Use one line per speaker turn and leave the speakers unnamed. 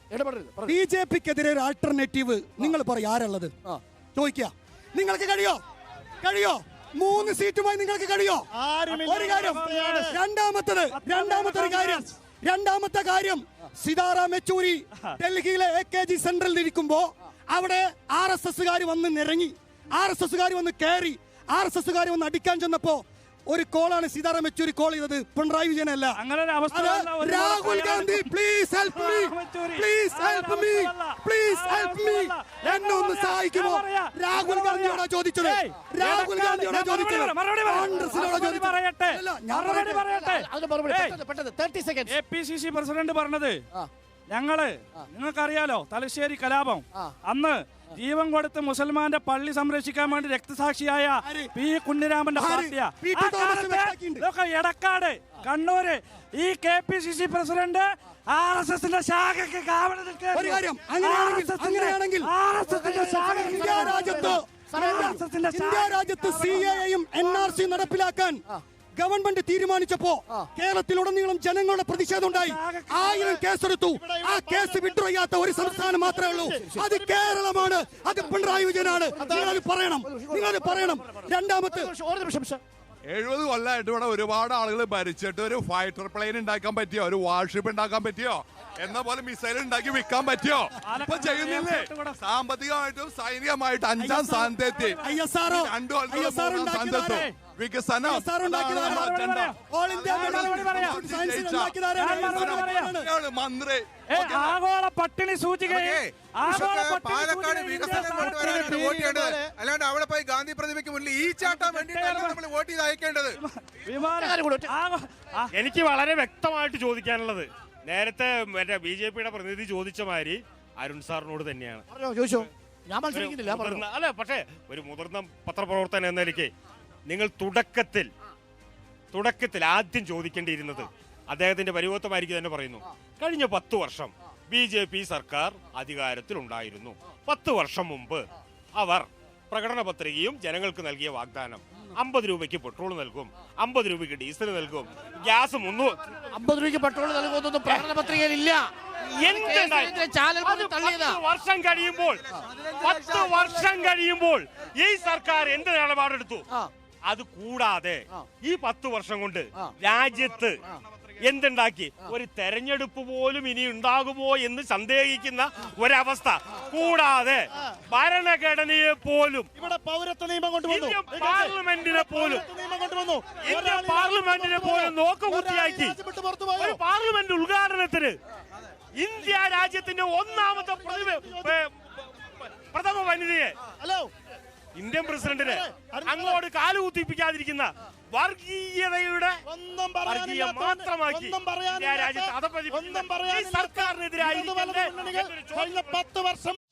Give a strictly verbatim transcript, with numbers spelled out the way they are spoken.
B J പിക്കെതിരെ ഒരു alternative നിങ്ങൾ പറയും ആരുള്ളത് ചോദിക്കുക. നിങ്ങൾക്ക് കഴിയോ കഴിയോ മൂന്ന് സീറ്റുമായി നിങ്ങൾക്ക് കഴിയോ? ഒരു കാര്യം. രണ്ടാമത്തത് രണ്ടാമത്തെ ഒരു കാര്യം രണ്ടാമത്തെ കാര്യം സീതാറാം യെച്ചൂരി ഡൽഹിയിലെ എ കെ ജി സെന്ററിൽ ഇരിക്കുമ്പോ അവിടെ ആർ എസ് എസ്സുകാർ വന്ന് നിരങ്ങി, ആർ എസ് എസ്സുകാർ വന്ന് കയറി, ആർ എസ് എസ്സുകാർ വന്ന് അടിക്കാൻ ചെന്നപ്പോ ഒരു കോളാണ് സീതാറാം യെച്ചൂരി കോൾ ചെയ്തത്, പിണറായി വിജയനല്ല. Rahul Gandhi please help me, please help me, please help me, എന്നെ ഒന്ന് സഹായിക്കുമോ? രാഹുൽ ഗാന്ധിയോടാ ചോദിച്ചത്, രാഹുൽ ഗാന്ധിയോടാ ചോദിച്ചത്, കോൺഗ്രസിനോടാ ചോദിച്ചത്.
A P C C president പറഞ്ഞത് ഞങ്ങള് നിങ്ങൾക്കറിയാലോ തലശ്ശേരി കലാപം അന്ന് ജീവൻ കൊടുത്ത് മുസൽമാന്റെ പള്ളി സംരക്ഷിക്കാൻ വേണ്ടി രക്തസാക്ഷിയായ പി കുഞ്ഞിരാമന്റെ പാർട്ടിയാ. എടക്കാട് കണ്ണൂര് ഈ K P C C president R S എസിന്റെ ശാഖയ്ക്ക് കാവൽ
ഇന്ത്യ രാജ്യത്ത് സി എയും എൻ ആർ സി നടപ്പിലാക്കാൻ ഗവൺമെന്റ് തീരുമാനിച്ചപ്പോ കേരളത്തിലുടനീളം ജനങ്ങളുടെ പ്രതിഷേധം ഉണ്ടായി. ആയിരം കേസെടുത്തു. ആ കേസ് വിഡ്രോ ചെയ്യാത്ത ഒരു സംസ്ഥാനം മാത്രമേ ഉള്ളൂ, അത് കേരളമാണ്, അത് പിണറായി വിജയനാണ്. നിങ്ങളത് പറയണം, നിങ്ങളത് പറയണം. രണ്ടാമത്തെ
എഴുപത് കൊല്ലമായിട്ട് ഇവിടെ ഒരുപാട് ആളുകൾ ഭരിച്ചിട്ട് ഒരു ഫൈറ്റർ പ്ലെയിൻ ഉണ്ടാക്കാൻ പറ്റിയോ, ഒരു വാർഷിപ്പ് ഉണ്ടാക്കാൻ പറ്റിയോ, എന്ന പോലെ മിസൈൽ ഉണ്ടാക്കി വിൽക്കാൻ പറ്റിയോ? ഇപ്പൊ ചെയ്യുന്നില്ലേ? സാമ്പത്തികമായിട്ടും സൈനികമായിട്ടും അഞ്ചാം സ്ഥാനത്തെത്തി. രണ്ടു സ്ഥാനത്തെത്തും. വികസനം മന്ത്രി
ആഗോള പട്ടിണി സൂചികയെ
പാലക്കാട് വികസനം കൊണ്ടുവരാനാണ് വോട്ട് ചെയ്യേണ്ടത്, അല്ലാണ്ട് അവിടെ പോയി ഗാന്ധി പ്രതിമയ്ക്ക് മുന്നിൽ ഈ ചാട്ടാൻ വേണ്ടിയിട്ടാണ് നമ്മൾ വോട്ട് ചെയ്ത് അയക്കേണ്ടത്.
എനിക്ക് വളരെ വ്യക്തമായിട്ട് ചോദിക്കാനുള്ളത് നേരത്തെ മറ്റേ ബി ജെ പിയുടെ പ്രതിനിധി ചോദിച്ച മാതിരി അരുൺ സാറിനോട് തന്നെയാണ്. അല്ല, പക്ഷേ ഒരു മുതിർന്ന പത്രപ്രവർത്തകൻ എന്ന നിലയ്ക്ക് നിങ്ങൾ തുടക്കത്തിൽ തുടക്കത്തിൽ ആദ്യം ചോദിക്കേണ്ടിയിരുന്നത് അദ്ദേഹത്തിന്റെ പരിവർത്തമായിരിക്കും തന്നെ പറയുന്നു. കഴിഞ്ഞ പത്ത് വർഷം ബി ജെ പി സർക്കാർ അധികാരത്തിലുണ്ടായിരുന്നു. പത്ത് വർഷം മുമ്പ് അവർ പ്രകടന പത്രികയും ജനങ്ങൾക്ക് നൽകിയ വാഗ്ദാനം അമ്പത് രൂപയ്ക്ക് പെട്രോൾ നൽകും, അമ്പത് രൂപയ്ക്ക് ഡീസൽ നൽകും, ഗ്യാസ് മുന്നൂറ്
അമ്പത് രൂപയ്ക്ക് പെട്രോൾ നൽകുന്നൊന്നും പ്രകടന പത്രികയിലില്ല.
വർഷം കഴിയുമ്പോൾ പത്ത് വർഷം കഴിയുമ്പോൾ ഈ സർക്കാർ എന്ത് നിലപാടെടുത്തു? അത് കൂടാതെ ഈ പത്ത് വർഷം കൊണ്ട് രാജ്യത്ത് എന്തുണ്ടാക്കി? ഒരു തെരഞ്ഞെടുപ്പ് പോലും ഇനി ഉണ്ടാകുമോ എന്ന് സന്ദേഹിക്കുന്ന ഒരവസ്ഥ. കൂടാതെ ഭരണഘടനയെ പോലും
ഇവിടെ പൗരത്വ നിയമം കൊണ്ടുവന്നു,
പാർലമെന്റിനെ പോലും ഇന്ത്യൻ പാർലമെന്റിനെ പോലും നോക്കുകുത്തിയാക്കി ഒരു പാർലമെന്റ് ഉദ്ഘാടനത്തിന് ഇന്ത്യ രാജ്യത്തിന്റെ ഒന്നാമത്തെ പ്രഥമ വനിതയെ ഇന്ത്യൻ പ്രസിഡന്റിനെ അങ്ങോട്ട് കാലുകുത്തിപ്പിക്കാതിരിക്കുന്ന വർഗീയതയുടെ വർഗീയ മാത്രമാക്കി രാജ്യത്ത് അതപ്പതി സർക്കാരിനെതിരായി
പത്ത് വർഷം